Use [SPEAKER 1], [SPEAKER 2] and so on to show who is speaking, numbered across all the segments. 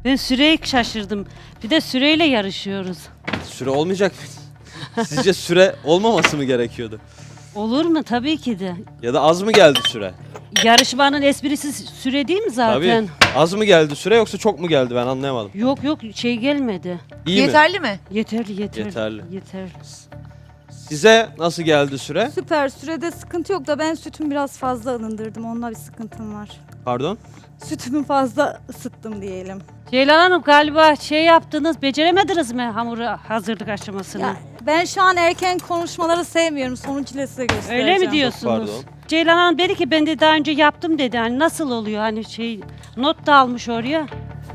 [SPEAKER 1] Ben süreyi şaşırdım. Bir de süreyle yarışıyoruz.
[SPEAKER 2] Süre olmayacak mı? Sizce süre olmaması mı gerekiyordu?
[SPEAKER 1] Olur mu? Tabii ki de.
[SPEAKER 2] Ya da az mı geldi süre?
[SPEAKER 1] Yarışmanın esprisi süre değil mi zaten?
[SPEAKER 2] Tabii. Az mı geldi süre yoksa çok mu geldi ben anlayamadım.
[SPEAKER 1] Yok şey gelmedi.
[SPEAKER 2] İyi mi?
[SPEAKER 3] Yeterli mi?
[SPEAKER 1] Yeterli.
[SPEAKER 2] Yeterli.
[SPEAKER 1] Yeterli.
[SPEAKER 2] Size nasıl geldi süre?
[SPEAKER 4] Süper, sürede sıkıntı yok da ben sütümü biraz fazla ılındırdım. Onunla bir sıkıntım var.
[SPEAKER 2] Pardon?
[SPEAKER 4] Sütümü fazla ısıttım diyelim.
[SPEAKER 1] Ceylan Hanım galiba şey yaptınız, beceremediniz mi hamuru hazırlık aşamasını?
[SPEAKER 4] Ya, ben şu an erken konuşmaları sevmiyorum. Sonucuyla size göstereceğim.
[SPEAKER 1] Öyle mi diyorsunuz?
[SPEAKER 2] Pardon.
[SPEAKER 1] Ceylan Hanım dedi ki ben de daha önce yaptım dedi. Hani nasıl oluyor hani şey not da almış oraya.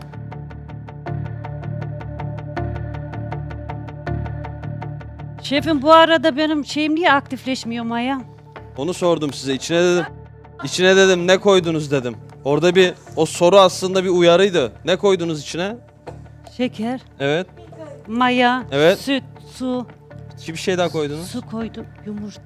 [SPEAKER 1] Şefim bu arada benim şeyim niye aktifleşmiyor Maya?
[SPEAKER 2] Onu sordum size. İçine dedim ne koydunuz dedim. Orada bir o soru aslında bir uyarıydı. Ne koydunuz içine?
[SPEAKER 1] Şeker,
[SPEAKER 2] Evet.
[SPEAKER 1] maya,
[SPEAKER 2] Evet.
[SPEAKER 1] süt, su,
[SPEAKER 2] Bir şey daha koydunuz.
[SPEAKER 1] su koydum, yumurta.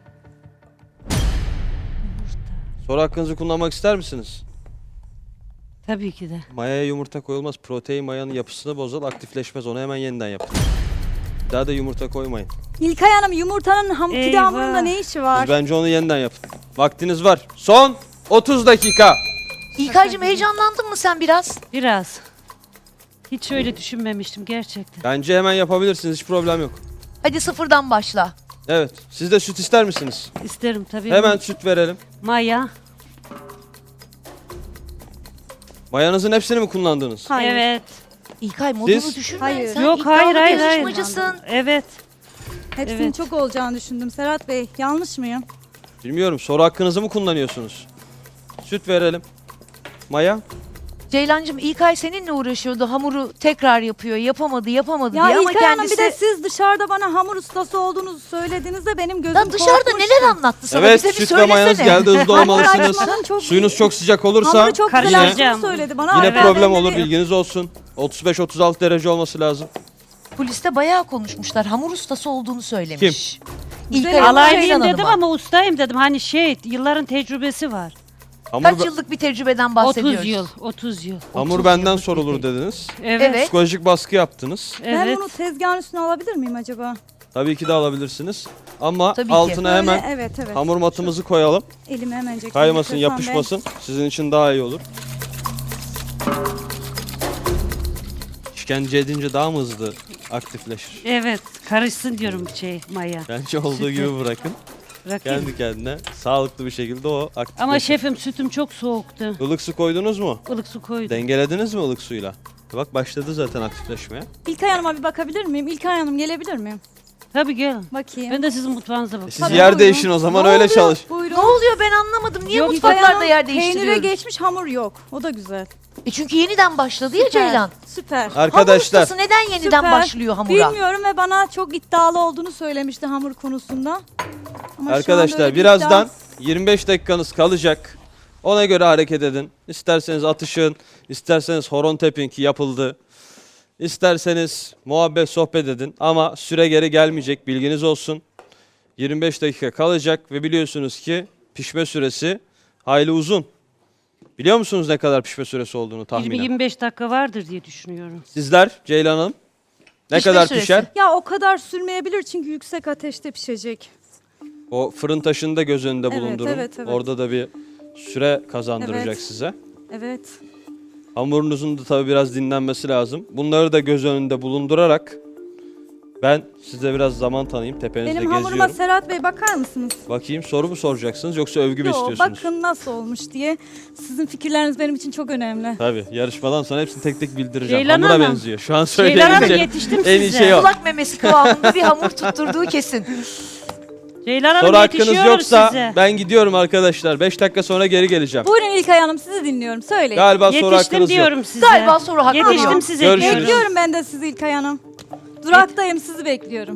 [SPEAKER 2] Soru hakkınızı kullanmak ister misiniz?
[SPEAKER 1] Tabii ki de.
[SPEAKER 2] Mayaya yumurta koyulmaz. Protein mayanın yapısını bozar, aktifleşmez. Onu hemen yeniden yapın. Bir daha da yumurta koymayın.
[SPEAKER 4] İlkay Hanım yumurtanın pide
[SPEAKER 1] Eyvah.
[SPEAKER 4] hamurunda ne işi var?
[SPEAKER 2] Siz bence onu yeniden yapın. Vaktiniz var. Son 30 dakika.
[SPEAKER 3] İlkay'cığım heyecanlandın mı sen biraz?
[SPEAKER 1] Biraz. Hiç öyle düşünmemiştim gerçekten.
[SPEAKER 2] Bence hemen yapabilirsiniz. Hiç problem yok.
[SPEAKER 3] Hadi sıfırdan başla.
[SPEAKER 2] Evet. Siz de süt ister misiniz?
[SPEAKER 1] İsterim tabii.
[SPEAKER 2] Hemen süt verelim.
[SPEAKER 1] Maya.
[SPEAKER 2] Mayanızın hepsini mi kullandınız?
[SPEAKER 4] Hayır.
[SPEAKER 1] Evet.
[SPEAKER 3] İlkay modunu
[SPEAKER 2] Siz?
[SPEAKER 3] düşürme.
[SPEAKER 4] Hayır.
[SPEAKER 3] Sen
[SPEAKER 1] Yok
[SPEAKER 3] iddialı
[SPEAKER 1] hayır
[SPEAKER 3] bir
[SPEAKER 1] hayır.
[SPEAKER 3] yarışmacısın.
[SPEAKER 1] Evet.
[SPEAKER 4] Hepsinin
[SPEAKER 1] Evet.
[SPEAKER 4] çok olacağını düşündüm. Serhat Bey, yanlış mıyım?
[SPEAKER 2] Bilmiyorum. Soru hakkınızı mı kullanıyorsunuz? Süt verelim. Maya?
[SPEAKER 3] Ceylancığım İlkay seninle uğraşıyordu. Hamuru tekrar yapıyor. Yapamadı
[SPEAKER 4] Ya
[SPEAKER 3] diye ama
[SPEAKER 4] İlkay Hanım
[SPEAKER 3] kendisi...
[SPEAKER 4] bir de siz dışarıda bana hamur ustası olduğunuzu söylediğinizde benim gözüm
[SPEAKER 3] Lan dışarıda
[SPEAKER 4] korkmuştu.
[SPEAKER 3] neler anlattı sana?
[SPEAKER 2] Evet,
[SPEAKER 3] Bize bir
[SPEAKER 2] süt ve mayanız
[SPEAKER 3] söylesene.
[SPEAKER 2] geldi. Hızlı olmalısınız.
[SPEAKER 4] Açmadan çok
[SPEAKER 2] Suyunuz çok sıcak olursa
[SPEAKER 4] Hamuru çok güzel
[SPEAKER 1] Karıştıracağım.
[SPEAKER 4] açtığını söyledi bana.
[SPEAKER 2] yine
[SPEAKER 4] ama ben
[SPEAKER 2] problem
[SPEAKER 4] de
[SPEAKER 2] olur.
[SPEAKER 4] bir-
[SPEAKER 2] Bilginiz olsun. 35-36 derece olması lazım.
[SPEAKER 3] Poliste bayağı konuşmuşlar. Hamur ustası olduğunu söylemiş.
[SPEAKER 4] Güzel
[SPEAKER 3] İlkay
[SPEAKER 4] ama
[SPEAKER 3] Ceylan
[SPEAKER 1] Alaylıyım dedim
[SPEAKER 3] Hanım'a.
[SPEAKER 1] ama ustayım dedim. Hani şey yılların tecrübesi var.
[SPEAKER 2] Hamur,
[SPEAKER 3] Kaç yıllık bir tecrübeden bahsediyoruz?
[SPEAKER 1] 30 yıl. 30 yıl.
[SPEAKER 2] hamur
[SPEAKER 3] 30
[SPEAKER 2] benden
[SPEAKER 3] yıllık
[SPEAKER 2] sorulur
[SPEAKER 3] bir
[SPEAKER 2] dediniz.
[SPEAKER 1] Evet.
[SPEAKER 3] Evet.
[SPEAKER 2] Psikolojik baskı yaptınız.
[SPEAKER 4] Ben
[SPEAKER 1] Evet.
[SPEAKER 4] bunu tezgahın üstüne alabilir miyim acaba?
[SPEAKER 2] Tabii ki de alabilirsiniz. Ama
[SPEAKER 3] Tabii ki.
[SPEAKER 2] altına
[SPEAKER 4] Böyle,
[SPEAKER 2] hemen
[SPEAKER 4] evet.
[SPEAKER 2] hamur matımızı koyalım.
[SPEAKER 4] Elime hemen
[SPEAKER 2] Kaymasın, yapışmasın. Sizin için daha iyi olur. İşkence edince daha mı hızlı aktifleşir?
[SPEAKER 1] Evet. Karışsın diyorum şey Maya.
[SPEAKER 2] Bence olduğu gibi bırakın.
[SPEAKER 1] Bırakayım.
[SPEAKER 2] Kendi kendine sağlıklı bir şekilde o aktifleşir.
[SPEAKER 1] Ama şefim sütüm çok soğuktu.
[SPEAKER 2] Ilık su koydunuz mu?
[SPEAKER 1] Ilık su koydum.
[SPEAKER 2] Dengelediniz mi ılık suyla? Bak başladı zaten aktifleşmeye.
[SPEAKER 4] İlkay Hanım'a bir bakabilir miyim? İlkay Hanım gelebilir miyim?
[SPEAKER 1] Tabii gelin.
[SPEAKER 4] Bakayım.
[SPEAKER 1] Ben de sizin mutfağınıza bakayım.
[SPEAKER 2] Siz
[SPEAKER 4] Tabii,
[SPEAKER 2] yer
[SPEAKER 4] buyurun.
[SPEAKER 2] değişin o zaman
[SPEAKER 4] Ne
[SPEAKER 2] öyle
[SPEAKER 4] oluyor?
[SPEAKER 2] çalış.
[SPEAKER 4] Buyurun.
[SPEAKER 3] Ne oluyor ben anlamadım. Niye
[SPEAKER 4] Yok, İlkay
[SPEAKER 3] mutfaklarda
[SPEAKER 4] Hanım,
[SPEAKER 3] yer
[SPEAKER 4] Peynire
[SPEAKER 3] değiştiriyoruz?
[SPEAKER 4] geçmiş hamur yok. O da güzel.
[SPEAKER 3] Çünkü yeniden başladı ya
[SPEAKER 4] Süper,
[SPEAKER 3] Ceylan.
[SPEAKER 4] Süper.
[SPEAKER 2] Arkadaşlar
[SPEAKER 3] Hamur ustası neden yeniden
[SPEAKER 4] Süper.
[SPEAKER 3] başlıyor hamura?
[SPEAKER 4] Bilmiyorum ve bana çok iddialı olduğunu söylemişti hamur konusunda. Ama şu anda
[SPEAKER 2] arkadaşlar
[SPEAKER 4] öyle bir
[SPEAKER 2] birazdan
[SPEAKER 4] iddia-
[SPEAKER 2] 25 dakikanız kalacak. Ona göre hareket edin. İsterseniz atışın, isterseniz horon tepin ki yapıldı. İsterseniz muhabbet sohbet edin ama süre geri gelmeyecek bilginiz olsun. 25 dakika kalacak ve biliyorsunuz ki pişme süresi hayli uzun. Biliyor musunuz ne kadar pişme süresi olduğunu tahminen?
[SPEAKER 1] 20-25 dakika vardır diye düşünüyorum.
[SPEAKER 2] Sizler Ceylan Hanım ne
[SPEAKER 3] Pişme
[SPEAKER 2] kadar
[SPEAKER 3] süresi.
[SPEAKER 2] pişer?
[SPEAKER 4] Ya o kadar sürmeyebilir çünkü yüksek ateşte pişecek.
[SPEAKER 2] O fırın taşını da göz önünde
[SPEAKER 4] Evet,
[SPEAKER 2] bulundurun.
[SPEAKER 4] evet.
[SPEAKER 2] Orada da bir süre kazandıracak
[SPEAKER 4] Evet.
[SPEAKER 2] size.
[SPEAKER 4] Evet.
[SPEAKER 2] Hamurunuzun da tabii biraz dinlenmesi lazım. Bunları da göz önünde bulundurarak ben size biraz zaman tanıyayım. Tepenizde
[SPEAKER 4] Benim hamuruma
[SPEAKER 2] geziyorum.
[SPEAKER 4] Serhat Bey bakar mısınız?
[SPEAKER 2] Bakayım soru mu soracaksınız yoksa övgü mü
[SPEAKER 4] Yo,
[SPEAKER 2] istiyorsunuz?
[SPEAKER 4] bakın nasıl olmuş diye. Sizin fikirleriniz benim için çok önemli.
[SPEAKER 2] Tabii yarışmadan sonra hepsini tek tek bildireceğim.
[SPEAKER 1] Ceylan
[SPEAKER 2] Hamura
[SPEAKER 1] Hanım.
[SPEAKER 2] benziyor. Şu an
[SPEAKER 1] Ceylan Hanım
[SPEAKER 2] söyleyemeyeceğim.
[SPEAKER 1] yetiştim
[SPEAKER 2] En iyi
[SPEAKER 1] size.
[SPEAKER 2] şey o.
[SPEAKER 3] Kulak memesi kıvamında bir hamur tutturduğu kesin.
[SPEAKER 1] Ceylan
[SPEAKER 2] Soru
[SPEAKER 1] Hanım
[SPEAKER 2] hakkınız
[SPEAKER 1] yetişiyorum
[SPEAKER 2] yoksa
[SPEAKER 1] size.
[SPEAKER 2] ben gidiyorum arkadaşlar. 5 dakika sonra geri geleceğim.
[SPEAKER 4] Buyurun İlkay Hanım sizi dinliyorum. Söyleyin.
[SPEAKER 2] Galiba soru
[SPEAKER 1] Yetiştim
[SPEAKER 2] hakkınız yok.
[SPEAKER 1] diyorum size.
[SPEAKER 3] Galiba soru hakkı
[SPEAKER 1] Yetiştim
[SPEAKER 3] yok.
[SPEAKER 1] size
[SPEAKER 2] Görüşürüz.
[SPEAKER 1] diyorum.
[SPEAKER 4] Bekliyorum ben de sizi İlkay Hanım. Duraktayım sizi bekliyorum.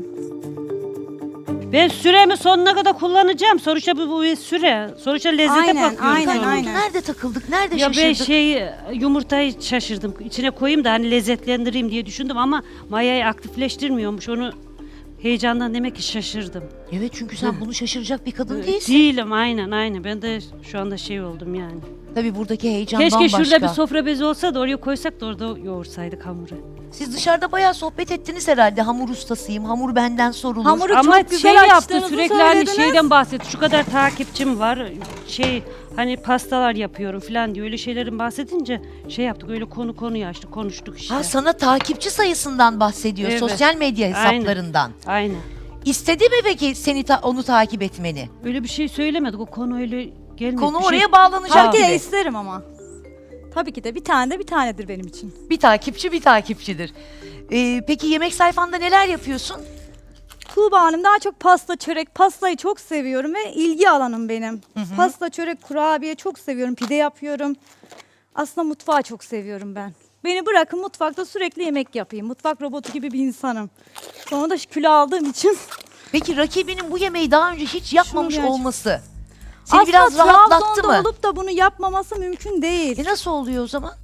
[SPEAKER 1] Ben süremi sonuna kadar kullanacağım. Sonuçta bu bir süre. Sonuçta lezzete
[SPEAKER 4] Aynen,
[SPEAKER 1] bakıyorum.
[SPEAKER 4] aynen,
[SPEAKER 1] sonra.
[SPEAKER 4] aynen.
[SPEAKER 3] Nerede takıldık? Nerede
[SPEAKER 1] Ya ben
[SPEAKER 3] şaşırdık?
[SPEAKER 1] yumurtayı şaşırdım. İçine koyayım da hani lezzetlendireyim diye düşündüm ama mayayı aktifleştirmiyormuş. Onu heyecandan demek ki şaşırdım.
[SPEAKER 3] Evet, çünkü sen bunu şaşıracak bir kadın değilsin.
[SPEAKER 1] Değilim, aynen. Ben de şu anda şey oldum yani.
[SPEAKER 3] Tabii buradaki heyecan
[SPEAKER 1] Keşke
[SPEAKER 3] bambaşka.
[SPEAKER 1] şurada bir sofra bezi olsa da oraya koysak da orada yoğursaydık hamuru.
[SPEAKER 3] Siz dışarıda bayağı sohbet ettiniz herhalde. Hamur ustasıyım, hamur benden sorulur.
[SPEAKER 4] Hamuru
[SPEAKER 1] Ama
[SPEAKER 4] çok güzel
[SPEAKER 1] şey yaptı
[SPEAKER 4] açtığınızı
[SPEAKER 1] sürekli hani
[SPEAKER 4] söylediniz.
[SPEAKER 1] şeyden bahsetti. Şu kadar takipçim var. Hani pastalar yapıyorum falan diye öyle şeylerin bahsedince şey yaptık. Öyle konuyu açtık, konuştuk işte.
[SPEAKER 3] Ha, sana takipçi sayısından bahsediyor,
[SPEAKER 1] Evet.
[SPEAKER 3] sosyal medya hesaplarından.
[SPEAKER 1] Aynen.
[SPEAKER 3] İstedi mi peki seni onu takip etmeni?
[SPEAKER 1] Öyle bir şey söylemedik. O konu öyle gelmedi.
[SPEAKER 3] Konu
[SPEAKER 1] Bir şey-
[SPEAKER 3] oraya bağlanacak
[SPEAKER 4] Tabii ki de
[SPEAKER 3] gibi.
[SPEAKER 4] isterim ama. Tabii ki de bir tane de bir tanedir benim için.
[SPEAKER 3] Bir takipçi bir takipçidir. Peki yemek sayfanda neler yapıyorsun?
[SPEAKER 4] Tuğba Hanım daha çok pasta, çörek, pastayı çok seviyorum ve ilgi alanım benim. Pasta, çörek, kurabiye çok seviyorum, pide yapıyorum. Aslında mutfağı çok seviyorum ben. Beni bırakın mutfakta sürekli yemek yapayım. Mutfak robotu gibi bir insanım. Sonra da kilo aldığım için
[SPEAKER 3] Peki rakibinin bu yemeği daha önce hiç yapmamış
[SPEAKER 4] gerçek-
[SPEAKER 3] olması seni
[SPEAKER 4] aslında
[SPEAKER 3] biraz rahatlattı
[SPEAKER 4] Trabzon'da
[SPEAKER 3] mı?
[SPEAKER 4] olup da bunu yapmaması mümkün değil.
[SPEAKER 3] Nasıl oluyor o zaman?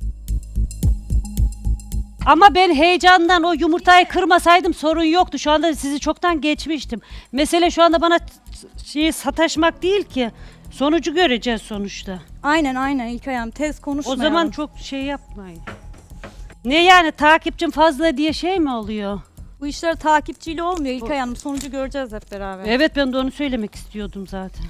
[SPEAKER 1] Ama ben heyecandan o yumurtayı kırmasaydım sorun yoktu. Şu anda sizi çoktan geçmiştim. Mesele şu anda bana şeyi sataşmak değil ki. Sonucu göreceğiz sonuçta.
[SPEAKER 4] Aynen İlkay Hanım, tez
[SPEAKER 1] O
[SPEAKER 4] konuşmayalım.
[SPEAKER 1] zaman çok şey yapmayın. Ne yani takipçim fazla diye şey mi oluyor?
[SPEAKER 4] Bu işler takipçiyle olmuyor İlkay Hanım. Sonucu göreceğiz hep beraber.
[SPEAKER 1] Evet ben de onu söylemek istiyordum zaten.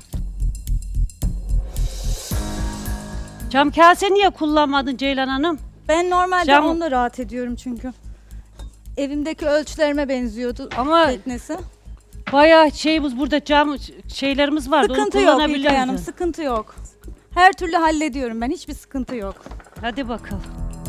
[SPEAKER 1] Cam kase niye kullanmadın Ceylan Hanım?
[SPEAKER 4] Ben normalde
[SPEAKER 1] Cam-
[SPEAKER 4] onunla rahat ediyorum çünkü. Evimdeki ölçülerime benziyordu
[SPEAKER 1] Ama
[SPEAKER 4] teknesi.
[SPEAKER 1] bayağı şeyimiz burada cam şeylerimiz vardı.
[SPEAKER 4] Sıkıntı
[SPEAKER 1] onu
[SPEAKER 4] yok İlkay
[SPEAKER 1] kullanabilirdin.
[SPEAKER 4] Hanım, sıkıntı yok. Her türlü hallediyorum ben, hiçbir sıkıntı yok.
[SPEAKER 1] Hadi bakalım.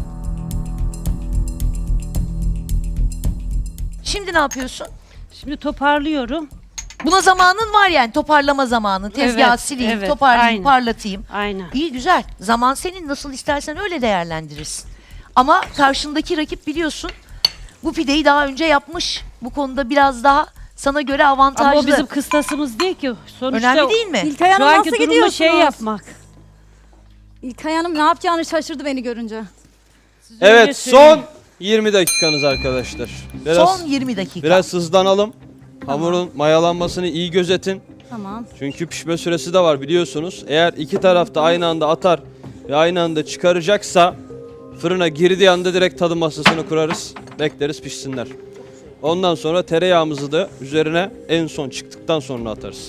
[SPEAKER 3] Şimdi ne yapıyorsun?
[SPEAKER 1] Şimdi toparlıyorum.
[SPEAKER 3] Buna zamanın var yani, toparlama zamanı. Tezgahı
[SPEAKER 1] Evet,
[SPEAKER 3] sileyim,
[SPEAKER 1] evet,
[SPEAKER 3] toparlayayım,
[SPEAKER 1] aynen.
[SPEAKER 3] parlatayım.
[SPEAKER 1] Aynen.
[SPEAKER 3] İyi, güzel. Zaman senin, nasıl istersen öyle değerlendirirsin. Ama karşındaki rakip biliyorsun bu pideyi daha önce yapmış. Bu konuda biraz daha sana göre avantajlı.
[SPEAKER 1] Ama o bizim kıstasımız değil ki. Sonuçta
[SPEAKER 3] Önemli değil mi?
[SPEAKER 4] İlkay
[SPEAKER 1] şu
[SPEAKER 4] Hanım
[SPEAKER 1] anki
[SPEAKER 4] nasıl
[SPEAKER 1] durumda
[SPEAKER 4] gidiyorsunuz?
[SPEAKER 1] şey yapmak.
[SPEAKER 4] İlkay Hanım ne yapacağını şaşırdı beni görünce.
[SPEAKER 1] Siz öyle
[SPEAKER 2] Evet,
[SPEAKER 1] söyleyin.
[SPEAKER 2] son 20 dakikanız arkadaşlar. Biraz,
[SPEAKER 3] Son 20 dakika.
[SPEAKER 2] biraz hızlanalım. Hamurun mayalanmasını iyi gözetin.
[SPEAKER 4] Tamam.
[SPEAKER 2] Çünkü pişme süresi de var biliyorsunuz. Eğer iki taraf da aynı anda atar ve aynı anda çıkaracaksa fırına girdiği anda direkt tadım masasını kurarız. Bekleriz pişsinler. Ondan sonra tereyağımızı da üzerine en son çıktıktan sonra atarız.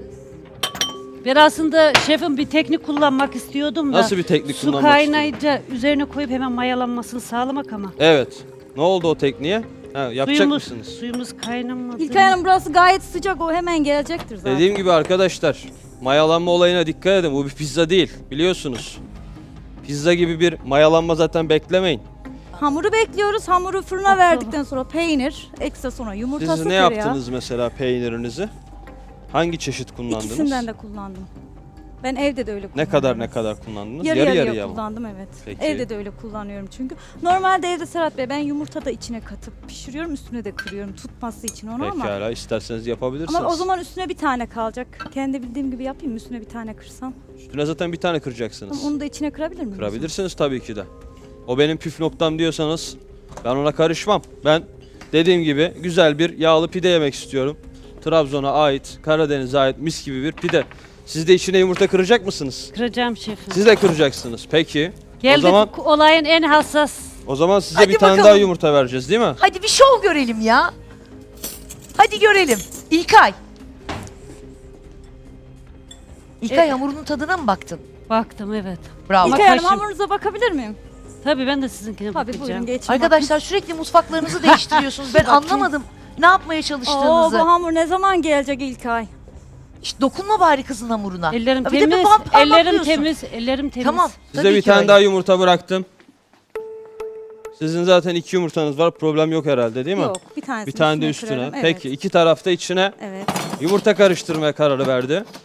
[SPEAKER 1] Ben aslında şefim bir teknik kullanmak istiyordum da.
[SPEAKER 2] Nasıl bir teknik
[SPEAKER 1] Su
[SPEAKER 2] kullanmak istiyorsun?
[SPEAKER 1] kaynayınca üzerine koyup hemen mayalanmasını sağlamak ama.
[SPEAKER 2] Evet. Ne oldu o tekniğe? Ha, yapacak mısınız?
[SPEAKER 1] Suyumuz kaynamadı.
[SPEAKER 4] İlkay Hanım burası gayet sıcak, o hemen gelecektir zaten.
[SPEAKER 2] Dediğim gibi arkadaşlar, mayalanma olayına dikkat edin. Bu bir pizza değil, biliyorsunuz. Pizza gibi bir mayalanma zaten beklemeyin.
[SPEAKER 4] Hamuru bekliyoruz. Hamuru fırına verdikten sonra peynir, ekstra sonra yumurtası,
[SPEAKER 2] Siz ne
[SPEAKER 4] tereyağı.
[SPEAKER 2] yaptınız mesela peynirinizi? Hangi çeşit kullandınız?
[SPEAKER 4] İkisinden de kullandım. Ben evde de öyle kullanıyorum.
[SPEAKER 2] Ne kadar kullandınız?
[SPEAKER 4] Yarı
[SPEAKER 2] yarıya
[SPEAKER 4] yarıya
[SPEAKER 2] mı?
[SPEAKER 4] kullandım, evet.
[SPEAKER 2] Peki.
[SPEAKER 4] Evde de öyle kullanıyorum çünkü. Normalde evde Serhat Bey ben yumurta da içine katıp pişiriyorum, üstüne de kırıyorum tutması için onu ama.
[SPEAKER 2] Pekala, isterseniz yapabilirsiniz.
[SPEAKER 4] Ama o zaman üstüne bir tane kalacak. Kendi bildiğim gibi yapayım mı? Üstüne bir tane kırsam.
[SPEAKER 2] Üstüne zaten bir tane kıracaksınız.
[SPEAKER 4] Ama onu da içine kırabilir miyim?
[SPEAKER 2] Kırabilirsiniz tabii ki de. O benim püf noktam diyorsanız ben ona karışmam. Ben dediğim gibi güzel bir yağlı pide yemek istiyorum. Trabzon'a ait, Karadeniz'e ait mis gibi bir pide. Siz de içine yumurta kıracak mısınız?
[SPEAKER 1] Kıracağım şefim.
[SPEAKER 2] Siz de kıracaksınız. Peki.
[SPEAKER 1] Geldik olayın en hassas.
[SPEAKER 2] O zaman size
[SPEAKER 3] Hadi
[SPEAKER 2] bir tane
[SPEAKER 3] bakalım.
[SPEAKER 2] daha yumurta vereceğiz değil mi?
[SPEAKER 3] Hadi bir şov görelim ya. Hadi görelim. İlkay. İlkay, hamurunun tadına mı baktın?
[SPEAKER 1] Baktım evet.
[SPEAKER 3] Bravo.
[SPEAKER 4] İlkay Hanım
[SPEAKER 1] kaşım-
[SPEAKER 4] hamurunuza bakabilir miyim?
[SPEAKER 1] Tabii ben de sizinkine
[SPEAKER 4] Tabii buyurun
[SPEAKER 1] bakacağım.
[SPEAKER 4] geçin.
[SPEAKER 3] Arkadaşlar sürekli mutfaklarınızı değiştiriyorsunuz. Ben anlamadım ne yapmaya
[SPEAKER 4] Oo,
[SPEAKER 3] çalıştığınızı.
[SPEAKER 4] bu hamur ne zaman gelecek İlkay?
[SPEAKER 3] İşte dokunma bari kızın hamuruna.
[SPEAKER 1] Ellerim
[SPEAKER 3] Ya bir de bir
[SPEAKER 1] temiz,
[SPEAKER 3] parmaklıyorsun.
[SPEAKER 1] ellerim temiz, ellerim temiz.
[SPEAKER 3] Tamam.
[SPEAKER 2] Size
[SPEAKER 3] tabii
[SPEAKER 2] bir
[SPEAKER 3] ki
[SPEAKER 2] tane
[SPEAKER 3] öyle.
[SPEAKER 2] daha yumurta bıraktım. Sizin zaten 2 yumurtanız var. Problem yok herhalde değil mi?
[SPEAKER 4] Yok, bir tanesini
[SPEAKER 2] Bir tane de üstüne.
[SPEAKER 4] kırarım. Evet.
[SPEAKER 2] Peki iki tarafta içine
[SPEAKER 4] Evet.
[SPEAKER 2] yumurta karıştırmaya kararı verdi.